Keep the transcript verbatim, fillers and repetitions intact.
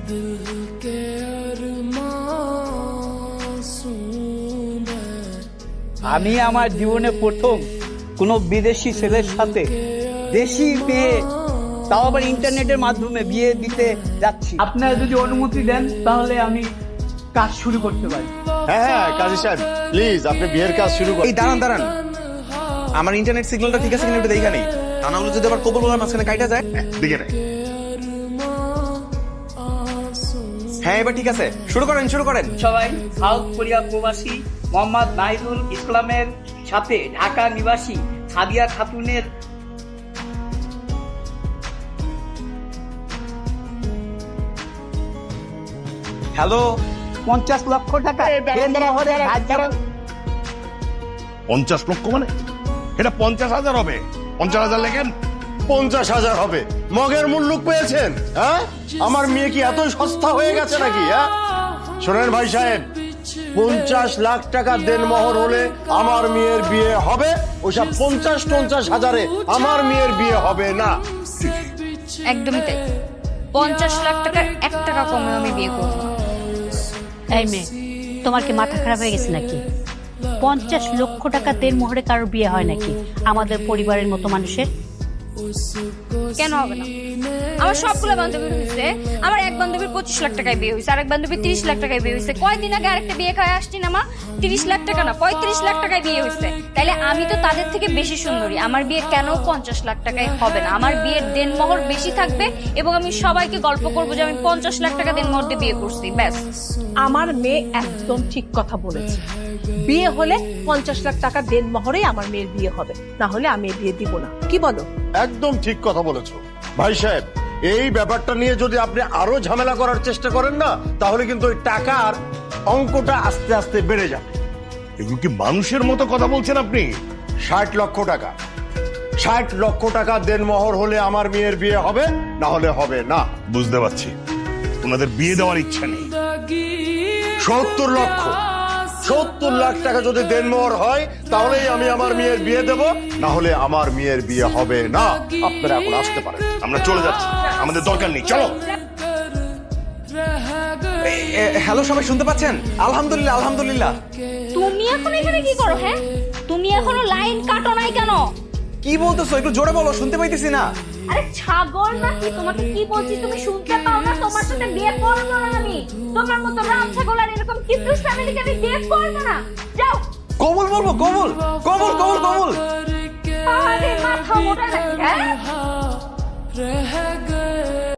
আমি আমার জীবনে প্রথম কোনো বিদেশি ছেলের সাথে দেশি মেয়ে, তাও আবার ইন্টারনেটের মাধ্যমে বিয়ে দিতে যাচ্ছি। আপনারা যদি অনুমতি দেন তাহলে আমি কাজ শুরু করতে পারি। হ্যাঁ হ্যাঁ কাজী সাহেব প্লিজ আপনি বিয়ের কাজ শুরু করুন। এই দাঁড়ান দাঁড়ান, আমার ইন্টারনেট সিগন্যালটা ঠিক আছে কিনা একটু দেখা নেই, তা না হলে যদি আবার কবুল বলার মাঝখানে কাইটা যায়। দিকে নেই। হ্যাঁ এবার ঠিক আছে, শুরু করেন শুরু করেন। সবাই সাউথ কোরিয়া প্রবাসী মোহাম্মদ নাহিদুল ইসলামের সাথে ঢাকা নিবাসী সাদিয়া খাতুনের হ্যালো, পঞ্চাশ লক্ষ টাকা পঞ্চাশ লক্ষ মানে এটা পঞ্চাশ হাজার হবে। পঞ্চাশ হাজার লেখেন। পঞ্চাশ হাজার হবে। মগের মুল্লুক পেয়েছেন? হ্যাঁ, আমার মেয়ে কি এত সস্তা হয়ে গেছে নাকি? হ্যাঁ শোনেন ভাই সাহেব, পঞ্চাশ লাখ টাকা দেনমোহর হলে আমার মেয়ের বিয়ে হবে। ওইসব পঞ্চাশ পঞ্চাশ হাজারে আমার মেয়ের বিয়ে হবে না। একদমই তাই। পঞ্চাশ লাখ টাকার এক টাকা কমে আমি বিয়ে করব না। এই মেয়ে, তোমার কি মাথা খারাপ হয়ে গেছে নাকি? পঞ্চাশ লক্ষ টাকা দেনমোহরে কারোর বিয়ে হয় নাকি আমাদের পরিবারের মতো মানুষের? কেন হবে না? আমার সবগুলো বান্ধবী হয়েছে। আমার এক বান্ধবীর পঁচিশ লাখ টাকায় বিয়ে হয়েছে, আর এক বান্ধবীর তিরিশ লাখ টাকায় বিয়ে হয়েছে। কয়দিন আগে আরেকটা বিয়ে খাওয়া আসছি না মা, তিরিশ লাখ টাকা না পঁয়ত্রিশ লাখ টাকায় বিয়ে হয়েছে। তাইলে আমি তো তাদের থেকে বেশি সুন্দরী, আমার বিয়ে কেন পঞ্চাশ লাখ টাকায় হবে না? আমার বিয়ের দেনমোহর বেশি থাকবে এবং আমি সবাইকে গল্প করবো যে আমি পঞ্চাশ লাখ টাকা দেনমোহর দিয়ে বিয়ে করছি। ব্যাস। আমার মেয়ে একদম ঠিক কথা বলেছে। বিয়ে হলে পঞ্চাশ লাখ টাকা দেনমোহরে আমার মেয়ের বিয়ে হবে, না হলে আমি বিয়ে দিব না। কি বলো? একদম ঠিক কথা বলেছো ভাই সাহেব। এই ব্যাপারটা নিয়ে যদি আপনি আরো ঝামেলা করার চেষ্টা করেন না, তাহলে কিন্তু ওই টাকার অঙ্কটা আস্তে আস্তে বেড়ে যাবে। এগুলো কি মানুষের মতো কথা বলছেন আপনি? ষাট লক্ষ টাকা ষাট লক্ষ টাকা দেনমোহর হলে আমার মেয়ের বিয়ে হবে, না হলে হবে না। বুঝতে পারছি ওনাদের বিয়ে দেওয়ার ইচ্ছা নেই। সত্তর লক্ষ সত্তর লাখ টাকা যদি দেনমোহর হয় তাহলেই আমি আমার মেয়ের বিয়ে দেব, না হলে আমার মেয়ের বিয়ে হবে না। আপনারা এখন আসতে পারেন, আমরা চলে যাচ্ছি, আমাদের দরকার নেই, চলো। হ্যালো, সবাই শুনতে পাচ্ছেন? আলহামদুলিল্লাহ আলহামদুলিল্লাহ। তুমি এখন এখানে কি করো? হ্যাঁ, তুমি এখনো লাইন কাটো নাই কেন? কি বলতেছো? একটু জোরে বলো, শুনতে পাইতেছি না। আরে ছাগল নাকি? তোমাকে কি বলছি তুমি শুনতে পাও না? তোমার সাথে বিয়ে করবো না আমি। তোমার মতো রাম ছাগল আর এরকম কিন্তু ফ্যামিলিকে আমি বিয়ে করবো না। যাও। কবুল বলবো? কবুল কবুল কবুল কবুল। আরে মাথা মোটা নাকি? হ্যাঁ